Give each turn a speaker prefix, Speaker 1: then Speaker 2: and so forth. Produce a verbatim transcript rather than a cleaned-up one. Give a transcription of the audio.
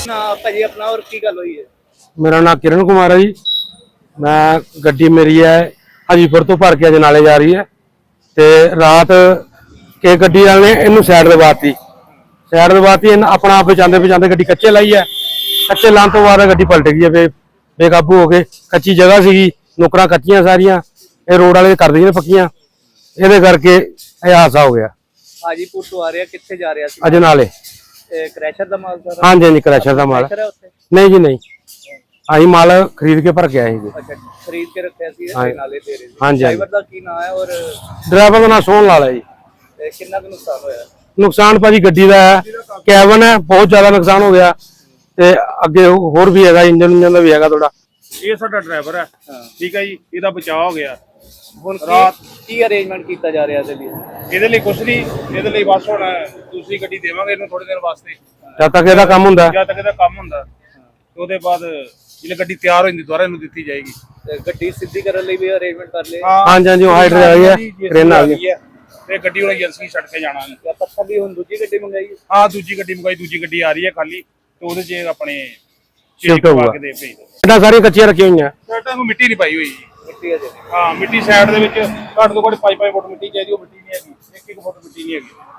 Speaker 1: ना भाजी अपना और की गल हुई है?
Speaker 2: मेरा नाम किरण कुमार है जी। मैं गड्डी मेरी है हाजीपुर तो भर के अजनाले जा रही है ते रात के गड्डी वाले ने इनू साइड दबाती साइड दबाती अपना आप बचाते बचाते गड्डी कच्चे लाई है। कच्चे लाने तो बाद गड्डी पलट गई है बे बेकाबू हो गए। कच्ची जगह सी नुकरां कच्चियां सारियां ये रोड वाले कर दी पक्कियां ये करके यह हादसा हो गया।
Speaker 1: हाजीपुर तो आ रहा कितने जा रहा सी?
Speaker 2: अजनाले
Speaker 1: क्रैशर दा माल सारा?
Speaker 2: हाँ जी हाँ जी क्रैशर दा माल नहीं जी नहीं अं माल खरीद के भर के आए।
Speaker 1: अच्छा खरीद के रखे सी नाले दे रहे?
Speaker 2: हाँ जी
Speaker 1: ड्राइवर दा की नाम है? और
Speaker 2: ड्राइवर का नाम सोहन लाल है जी।
Speaker 1: कितना का नुकसान होया?
Speaker 2: नुकसान भाजी गड्डी का है कैबन है बहुत ज्यादा नुकसान हो गया ते अगे होर भी है इंजन इंजन का भी है थोड़ा।
Speaker 3: ये साडा ड्राइवर है ठीक है जी इहदा बचाव हो गया।
Speaker 1: ਹੁਣ ਰਾਤ ਕੀ ਅਰੇਂਜਮੈਂਟ ਕੀਤਾ ਜਾ ਰਿਹਾ ਇਹਦੇ ਲਈ?
Speaker 3: ਇਹਦੇ ਲਈ ਕੁਛ ਨਹੀਂ ਇਹਦੇ ਲਈ ਬਸ ਹੁਣ ਦੂਸਰੀ ਗੱਡੀ ਦੇਵਾਂਗੇ ਇਹਨੂੰ ਥੋੜੇ ਦਿਨ ਵਾਸਤੇ
Speaker 2: ਜਦ ਤੱਕ ਇਹਦਾ ਕੰਮ ਹੁੰਦਾ
Speaker 3: ਜਦ ਤੱਕ ਇਹਦਾ ਕੰਮ ਹੁੰਦਾ ਤੇ ਉਹਦੇ ਬਾਅਦ ਜਿਹੜੀ ਗੱਡੀ ਤਿਆਰ ਹੋ ਜਾਂਦੀ ਦੁਬਾਰਾ ਇਹਨੂੰ ਦਿੱਤੀ ਜਾਏਗੀ।
Speaker 1: ਤੇ ਗੱਡੀ ਸਿੱਧੀ ਕਰਨ ਲਈ ਵੀ ਅਰੇਂਜਮੈਂਟ ਕਰ ਲਏ?
Speaker 2: ਹਾਂਜੀ ਹਾਂਜੀ ਉਹ ਹਾਈਡਰ ਆ ਗਈ ਹੈ ਟ੍ਰੇਨ ਆ ਗਈ
Speaker 3: ਹੈ ਤੇ ਗੱਡੀ ਹੁਣ ਏਜੰਸੀ ਛੱਡ ਕੇ ਜਾਣਾ ਹੈ।
Speaker 1: ਜਾਂ ਪੱਥਰ ਦੀ ਹੁਣ ਦੂਜੀ ਗੱਡੀ ਮੰਗਾਈ?
Speaker 3: ਹਾਂ ਦੂਜੀ ਗੱਡੀ ਮੰਗਾਈ ਦੂਜੀ ਗੱਡੀ ਆ ਰਹੀ ਹੈ ਖਾਲੀ ਤੇ ਉਹਦੇ 'ਚ ਆਪਣੇ
Speaker 2: ਸ਼ਿਫਟ ਹੋਊਗਾ।
Speaker 3: ਕੇ ਦੇ ਭੇਜ ਦੋ
Speaker 2: ਇਹਦਾ ਸਾਰੀਆਂ ਕੱਚੀਆਂ ਰੱਖੀਆਂ ਹੋਈਆਂ
Speaker 3: ਸਾਡਾ ਨੂੰ ਮਿੱਟੀ ਨਹੀਂ ਪਾਈ ਹੋਈ ਜੀ।
Speaker 1: ਮਿੱਟੀ ਹੈ ਜੀ?
Speaker 3: ਹਾਂ ਮਿੱਟੀ ਸਾਈਡ ਦੇ ਵਿੱਚ ਘੱਟ ਤੋਂ ਘੱਟ ਪੰਜ ਪੰਜ ਫੁੱਟ ਮਿੱਟੀ ਚਾਹੀਦੀ ਉਹ ਮਿੱਟੀ ਨਹੀਂ ਹੈਗੀ ਇੱਕ ਇੱਕ ਫੁੱਟ ਮਿੱਟੀ ਨਹੀਂ ਹੈਗੀ।